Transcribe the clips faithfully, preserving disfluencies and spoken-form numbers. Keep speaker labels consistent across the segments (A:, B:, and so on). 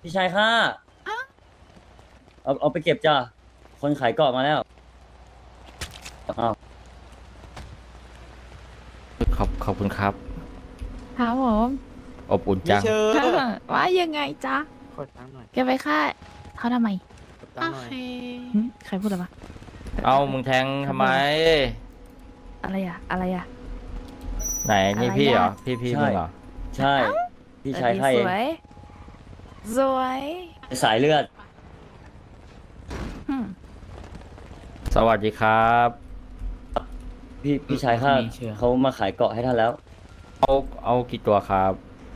A: พี่ชายข้าเอาเอาไปเก็บจ้ะคนขายเกาะมาแล้วอ้าว
B: ขอบขอบคุณครับ
C: ครับผม
B: อบอุ่น
D: ไม่
B: จัง
D: เชิญ
C: ว่ายังไงจ๊ะ
D: ขอตังค์หน่อย
C: แกไปฆ่าเขาทำไม
D: ขอตังค์หน่อย
C: หึใครพูดอะไรวะ
B: เอามึงแทงทำไม
C: อะไรอะอะไรอะ
B: ไหนนี่
C: อะไร
B: พี่เหรอ
C: อะ
B: พี่พี่
A: ใช่
B: มึงเหรอ
A: ใช่ พี่ชายข้า
C: ส
A: เอง
C: วย สวย
A: สายเลือด
C: หึ
B: สวัสดีครับ
A: พี่พี่ชายข้า
D: มีเชื่อ
A: เขามาขายเกาะให้ท่านแล้ว
B: เอาเอากี่ตัวครับ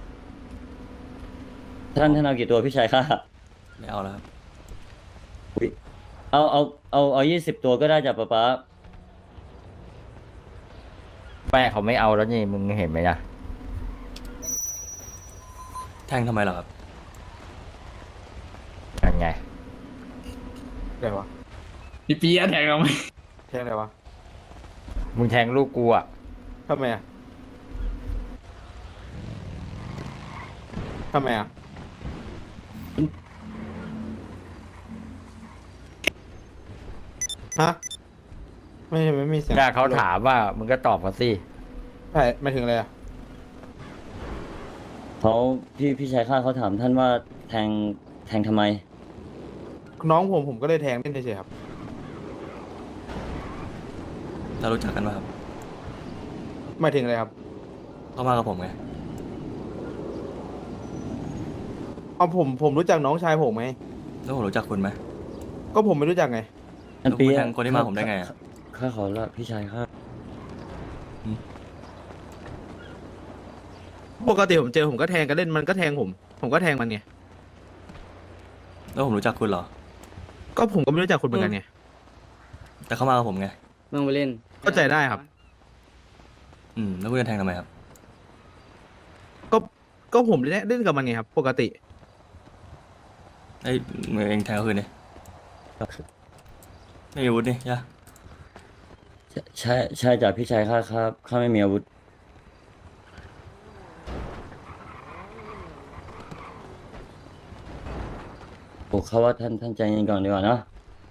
A: ท่านท่านเอากี่ตัวพี่ชายข้า
E: ไม่เอาแล้วครับ
A: อุ๊ยเอาเอาเอาเอายี่สิบตัวก็ได้จ้ะป๊าป๊า
B: แม่เขาไม่เอาแล้วนี่มึงเห็นไหมนะ
E: แทงทำไมเหรอครับ
B: ยังไง
D: อะไรวะ
F: พี่ปีอะแทงเราไหม
D: แทงอะไรวะ
B: มึงแทงลูกกูอ่ะ
D: ทำไมอ่ะทำไมอ่ะฮะไม่ไม่มีเสียง
B: ถ้าเขาถามว่ามึงก็ตอบเขาสิ
D: ใช่ไม่ถึงเลยอ่ะ
A: เขาพี่พี่ชายข้าเขาถามท่านว่าแทงแทงทำไม
D: น้องผมผมก็เลยแทงเล่นเฉยๆครับ
E: เรารู้จักกันป่ะครับ
D: ไม่ถึงเลยครับ
E: เข้ามากับผมไง
D: เอาผมผมรู้จักน้องชายผมไหม
E: แล้วผมรู้จักคุณไหม
D: ก็ผมไม่รู้จักไง
A: ท่านปี
E: แล้วคุณแทงคนที่มาผมได้ไงอะ
A: ข้าขอละพี่ชายข้า
D: ปกติผมเจอผมก็แทงกันเล่นมันก็แทงผม ผมก็แทงมันไง
E: แล้วผมรู้จักคุณเหรอ
D: ก็ผมก็ไม่รู้จักคุณเหมือนกันไง
E: แต่เข้ามากับผมไง
A: มึงไปเล่น
D: เข้าใจได้ครับ
E: อืม แล้วคุณจะแทงทำไมครับ
D: ก็ก็ผมเล่นเล่นกับมันไงครับ ปกติ
E: ไอ้มือเองแทงเขาคืนนี่ไม่มีอาวุธนี่ย่ะ
A: ใช่ใช่จ้ะพี่ชายข้าครับข้าไม่มีอาวุธโอ้เขาว่าท่านท่านใจเย็นก่อนดีกว่าเนาะ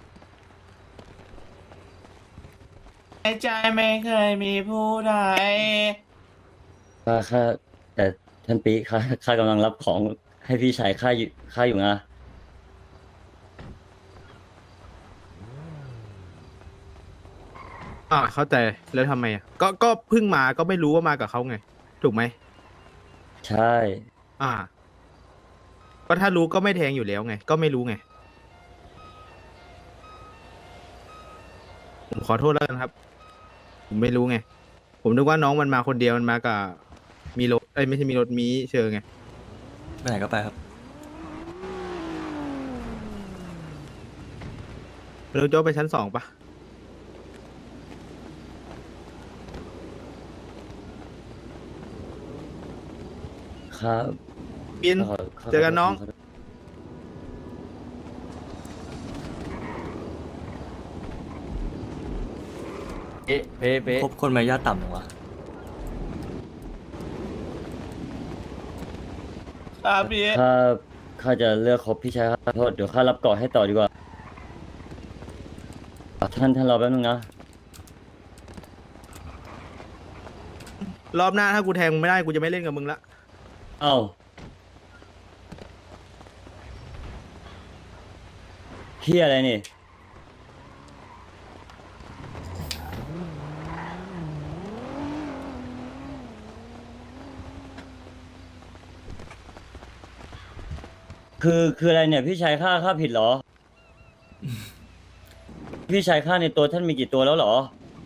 F: ในใจไม่เคยมีผู้ใด
A: ข้าข้าแต่ท่านปีข้าข้ากำลังรับของให้พี่ชายข้าอยู่ข้าอยู่นะ
D: อ่าเข้าใจแล้วทำไมอ่ะก็ก็เพิ่งมาก็ไม่รู้ว่ามากับเขาไง ถูกไหม
A: ใช่
D: อ่า ก็ถ้ารู้ก็ไม่แทงอยู่แล้วไง ก็ไม่รู้ไง ผมขอโทษแล้วกันครับ ผมไม่รู้ไง ผมนึกว่าน้องมันมาคนเดียวมันมากับมีรถเอ้ยไม่ใช่มีรถมีเชิงไง
E: ไปไหนก็ไปครับ
D: แล้วโจ้ไปชั้นสองปะ
A: ข้า
D: บิน
A: ข้าขข้า
D: เจอกันน้อง
A: ขโทษ
B: เอ๊ะเป๊ะเป๊ะ
E: คบคนมารยาทต่ำหรอวะ
F: ครับพี่
A: ข้าข้าจะเลือกคบพี่ชายข้าขอโทษเดี๋ยวข้ารับเกาะให้ต่อดีกว่าท่านท่านรอแป๊บนึงนะ
D: รอบหน้าถ้ากูแทงมึงไม่ได้กูจะไม่เล่นกับมึงละ
A: เอ้าเฮียอะไรนี่ คือคืออะไรเนี่ย พี่ชายข้าข้าผิดเหรอ พี่ชายข้าในตัวท่านมีกี่ตัวแล้วเหรอ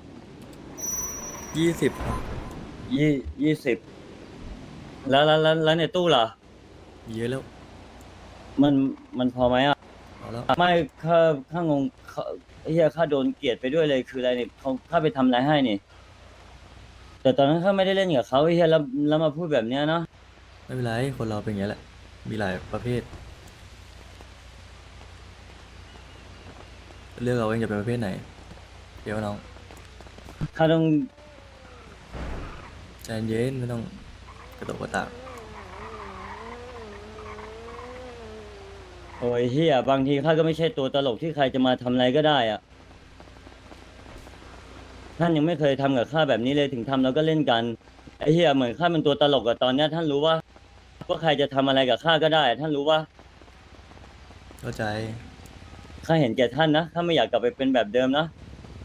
E: ยี่สิบ
A: ยี่ยี่สิบแล้วแล้วแล้วแล้วในตู้ล่ะ
E: เยอะแล้ว
A: มันมันพอไหมอ่ะ
E: เอาแล้ว
A: ไม่ข้าข้างงข้าเฮียข้าโดนเกลียดไปด้วยเลยคืออะไรเนี่ยเขาข้าไปทำอะไรให้นี่ แต่ตอนนั้นข้าไม่ได้เล่นกับเขาเฮียแล้วแล้วมาพูดแบบเนี้ยเนาะ
E: ไม่เป็นไร คนเราเป็นอย่างนี้แหละ มีหลายประเภท เลือกเอาเองจะเป็นประเภทไหน เดี๋ยวน้อง
A: ข้าต้อง
E: ใจเย็น ไม่ต้องกระโดดกระตาก
A: ข้า
E: เดี๋ยว
A: ข้า
E: เดี๋ยว
A: ข้า
E: เดี๋ยว
A: ขอ
E: เดี๋ยว
A: โทษ
E: เดี๋ยว
A: โอ้ยเฮียบางทีข้าก็ไม่ใช่ตัวตลกที่ใครจะมาทำอะไรก็ได้อะท่านยังไม่เคยทำกับข้าแบบนี้เลยถึงทำแล้วก็เล่นกันไอ้เฮียเหมือนข้าเป็นตัวตลกอะตอนเนี้ยท่านรู้ว่าว่าใครจะทำอะไรกับข้าก็ได้ ท่านรู้ว่า
E: เข้าใจ
A: ข้าเห็นแก่ท่านนะข้าไม่อยากกลับไปเป็นแบบเดิมนะ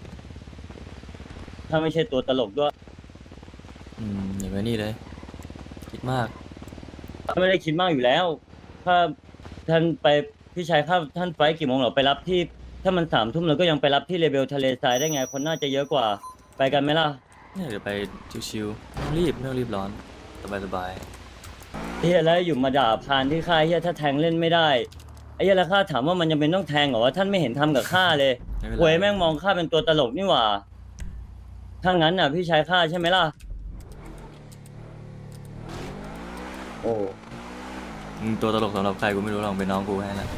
A: ข้าไม่ใช่ตัวตลกด้วย
E: อืมอย่างนี้เลย คิดมาก
A: ข้าไม่ได้คิดมากอยู่แล้วข้าท่านไปพี่ชายข้าท่านไฟล์กี่โมงเหรอไปรับที่ ถ้ามันสามทุ่มเราก็ยังไปรับที่เลเบลทะเลทรายได้ไงคนน่าจะเยอะกว่าไปกันไหมล่ะ
E: เนี่ยเดี๋ยวไปชิวๆไม่ต้องรีบไม่ต้องรีบร้อน สบาย
A: เฮียแล้วอยู่มาด่าพานที่ข้าเฮียถ้าแทงเล่นไม่ได้ไอ้เฮียแล้วข้าถามว่ามันยังเป็นต้องแทงเหรอวะท่านไม่เห็นทำกับข้าเลย
E: ๆไม่เป็น
A: หวย
E: ไร
A: แม่งมองข้าเป็นตัวตลกนี่หว่าถ้างั้นน่ะ พี่ชายข้าใช่ไหมล่ะโอ้
E: มึงตัวตลกสำหรับใครกูไม่รู้หรอกเป็นน้องกูแค่นั้นแหละ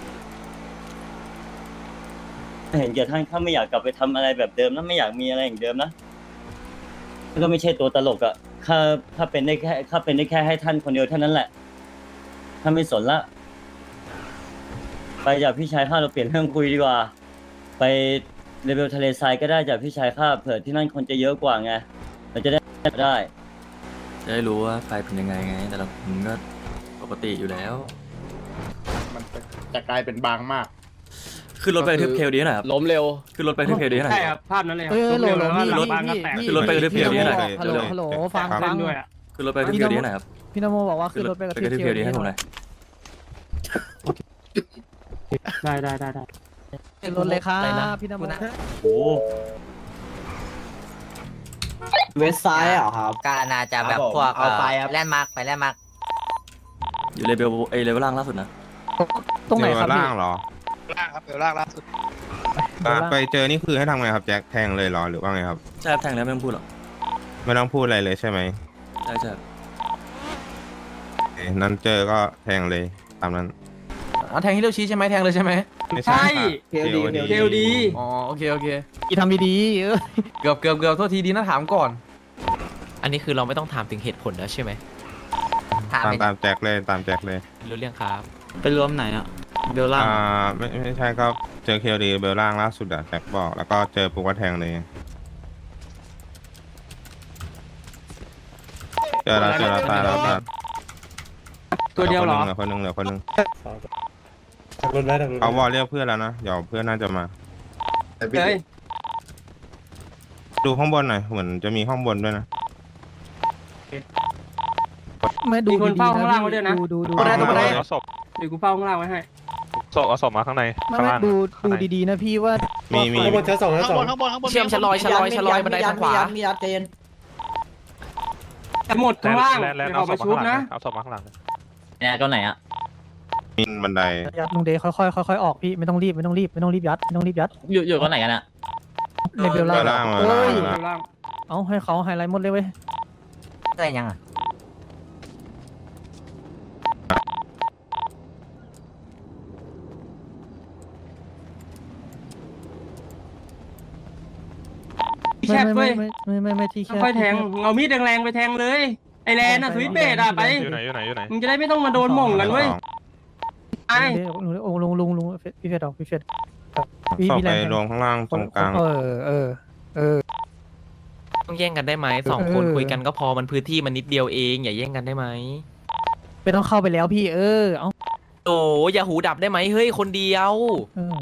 A: เห็นแก่ท่านข้าไม่อยากกลับไปทำอะไรแบบเดิมนะไม่อยากมีอะไรอย่างเดิมนะก็ไม่ใช่ตัวตลกอะข้าข้าเป็นได้แค่ข้าเป็นได้แค่ให้ท่านคนเดียวเท่านั้นแหละข้าไม่สนละ ไปจากพี่ชายข้าเราเปลี่ยนเรื่องคุยดีกว่า ไปเลเวลทะเลทรายก็ได้จากพี่ชายข้าเผื่อที่นั่นคนจะเยอะกว่าไงเราจะได้ได้
E: จะได้รู้ว่าใครเป็นยังไงไง แต่ละคนก็ปกติอยู่แล้ว
G: มันจะกลายเป็นบางมาก
E: ขึ้นรถไปกระทืบเคลดีหน่อยครับ
H: ล้มเร็ว
E: ขึ้นรถไปกระทืบเคลดีหน่อย
G: ใช่ครับ ภาพนั้นเลยครับ
I: เออโหลโหลพี่
G: ร
I: พี่
G: ถบ้านก็แตก
I: พี่
E: ขึ้นรถไปกระทืบเคลดีหน่อย
I: ฮัลโหลฮัลโหลฟังฟัง
G: ด้วยอ่ะ
E: ขึ้นรถไปกระทืบเคลดีหน่อยครับ
I: พี่นโมบอกว่าขึ้นรถไปกับ
E: กระทืบเคลดีให้ผมหน่อย
G: ได้ได้ได้ได้
I: ขึ้นรถเลยครับพี่นโม
A: โอ้
J: เวสไซด์เหรอครับ
H: ก็น่าจะแบบพวก
J: เอาไปครับ
H: แลนด์มาร์กไปแลนด์มาร์ก
E: อยู่เลเวลเอยเลเวลล่างล่าสุดนะ
I: ตรงไหนครับพี่
K: ล่างเหรอ
G: ล่างครับเดี๋ยวล่างล่าสุด
K: อ่ะไปเจอนี่คือให้ทำไงครับแจ็คแทงเลยเหรอหรือว่าไงครับ
E: ใช่ครับแทงแล้วไม่ต้องพูดหรอก
K: ไม่ต้องพูดอะไรเลยใช่ไหม
E: ใช่ใช่
K: โอเคนั้นเจอก็แทงเลยตามนั้น
J: อ๋อแทงฮิโรชิใช่ไหมแทงเลยใช่ไหม
K: ไม่ใช่เคลดี
G: เคลดี
J: อ๋อโอเคโอเค
I: พี่ทำดีๆเออ
J: เกือบเกือบเกือบโทษทีดีนะถามก่อน
H: อันนี้คือเราไม่ต้องถามถึงเหตุผลแล้วใช่ไหมถาม
K: ตาม
H: ไป
K: ตามแจ็คเลยตามแจ็คเลย
H: รู้เรื่องครับ
J: ไปรวมไหนอ่ะเบลล่า
K: อ่าไม่ไม่ใช่ก็เจอเคลดีเบลล่างล่าสุดอะแจ็คบอกแล้วก็เจอปุ๊กก็แทงเลย เจอแล้วเจอแล้วตายแล้วตาย
G: ตัวเดียวเหรอ
K: เหลือคนหนึงเหลือคนหนึงเขาวอลเรียกเพื่อนแล้วนะเดี๋ยวเพื่อนน่าจะมา
G: เฮ้ย
K: ดูข้างบนหน่อยเหมือนจะมีข้างบนด้วยนะ
I: ไม่ดู
G: มีคน
I: ดี
G: เฝ้า
I: ๆ
G: ข้างล่างไว้ด้วยนะ
I: ดูดูดู
J: ตัวไหนตัวไหน
K: เอาศพ
G: เดี๋ยวกูเฝ้าข้างล่างไว้ให้
K: ศพเอาศพมาข้างใน
I: ไม่ไม่ดูดูดีๆนะพี่ว่า
K: มีมี
G: ข้างบนข้างบนข้างบนข้างบน
H: เชื่อมชะลอยชะลอยชะลอยบันไดทางขวา
J: มียัดเจน
G: หมดข้างล่างเดี๋ยวเอามาชุบนะ
K: เอาศพมาข้างหลัง
H: เนี่ยตัวไหนอ่ะ
K: มีบันได
I: ยัดลุงเดย์ค่อยๆค่อยๆออกพี่ไม่ต้องรีบไม่ต้องรีบไม่ต้องรีบยัดไม่ต้องรีบยัด
H: อยู่อยู่ตัวไหนกันอ่ะ
I: ในเบลล่า
K: เบลล่างมา
I: เอ้ย
K: เบลล่าง
G: ข้างล่าง
I: เอาให้เขาไฮไลท์หมดเลยเว้ย
H: ได้ยังอ่ะ
G: ที่แคบ
I: ไม่
G: เว้ย
I: ไม่ไม่ไม่ไม่ไม่ที่แคบ
G: ค่อยๆแทงเอามีดแรงๆไปแทงเลยไอแลนน่ะสวิตช์เบสอ่ะไป
K: อยู่ไหนอยู่ไหนอยู่ไหน
G: มึงจะได้ไม่ต้องมาโดนหม่งกันเว้ยไป
I: ลุงลุงลุงลุงพี่เฟดออกพี่เฟดพี่
K: ศพ
I: พี่
K: ไป
I: แรง
K: รวมข้างล่างตรงกลาง
I: เออเออเออ
H: ต้องแย่งกันได้ไหมสองคน
I: เออ
H: คุยกันก็พอมันพื้นที่มันนิดเดียวเองอย่าแย่งกันได้ไหม
I: ไม่ต้องเข้าไปแล้วพี่เออเอา
H: โอ้อย่าหูดับได้ไหมเฮ้ยคนเดียว
I: เออ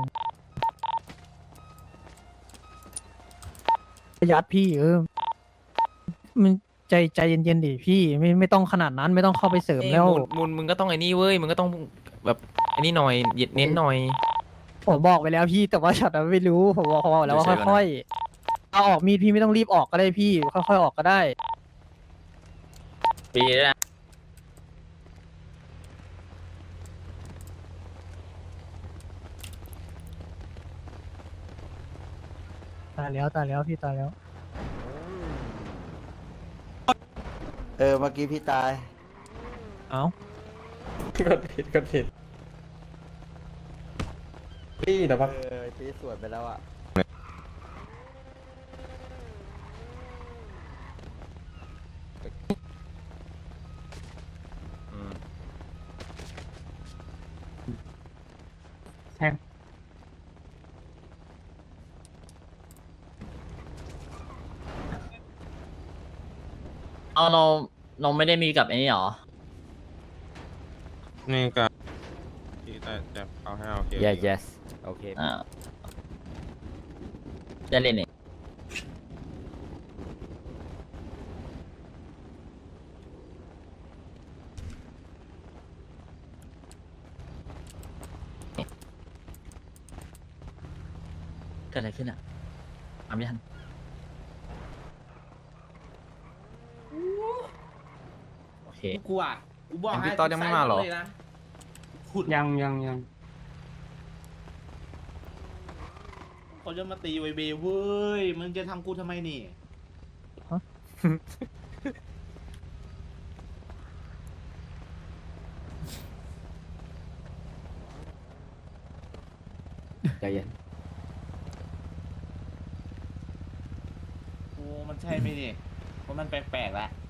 I: ยัดพี่เออมันใจใจเย็นๆดิพี่ไม่ไม่ต้องขนาดนั้นไม่ต้องเข้าไปเสริมแล้ว
H: มุนมุนมึงก็ต้องไอ้นี่เว้ยมึงก็ต้องแบบไอ้นี่หน่อยเน้นหน่อย
I: ผมบอกไปแล้วพี่แต่ว่าฉันน่ะไม่รู้ผมบอกเขาบอกแล้วว่าค่อยๆเอาออกมีดพี่ไม่ต้องรีบออกก็ได้พี่ค่อยๆออกก็ได้
H: ปีนะ
I: ตายแล้วตายแล้วพี่ตายแล้ว
J: เออเมื่อกี้พี่ตาย
I: เอ้า
J: กดผิดกดผิดพี่แต่ว่าเออพี่สวนไปแล้วอ่ะ
G: เอาเราเราไม่ได้มีกับไอ้นี่หรอ
K: นี่ก็ที่จะจะเอาให้เอาเค
B: yes yes โอเค
G: อ่าจะเล่นนี่เกิดอะไรขึ้นอ่ะทำไม่ทันโอเค
F: กูอ่ะกูบอกให้
J: พี่ต๊อดยังไม่มาเหรอ
F: เลยนะขุด
G: ยังยังยัง
F: เขาจะมาตีไวเบเว้ยมึงจะทำกูทำไมนี่
J: ใจเย็น
F: โอ้มันใช่ไหมนี่เพราะมันแปลกๆแล้ว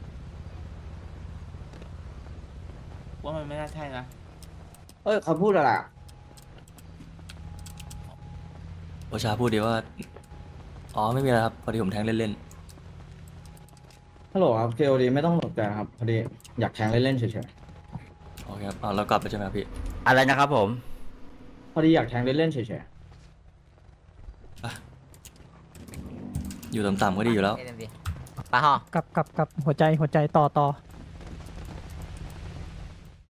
F: ว่ามันไม่น่าใช่นะ
J: เอ้ยเขาพูดอะไร
E: โอชาพูดดีว่า อ๋อไม่มีอะไรครับ พอดีผมแทงเล่น
J: ฮัลโหลครับเคโอดีไม่ต้องตกใจครับพอดีอยากแทงเล่นๆเฉย
E: ๆโอเคครับอ๋อเรากลับไปใช่ไหมครับพี่
B: อะไรนะครับผม
J: ๆพอดีอยากแทงเล่นๆเฉย
E: อยู่ต่ำๆก็ดีอยู่แล้ว
H: ปะฮะ
I: กับกับกับหัวใจหัวใจต่อต่อ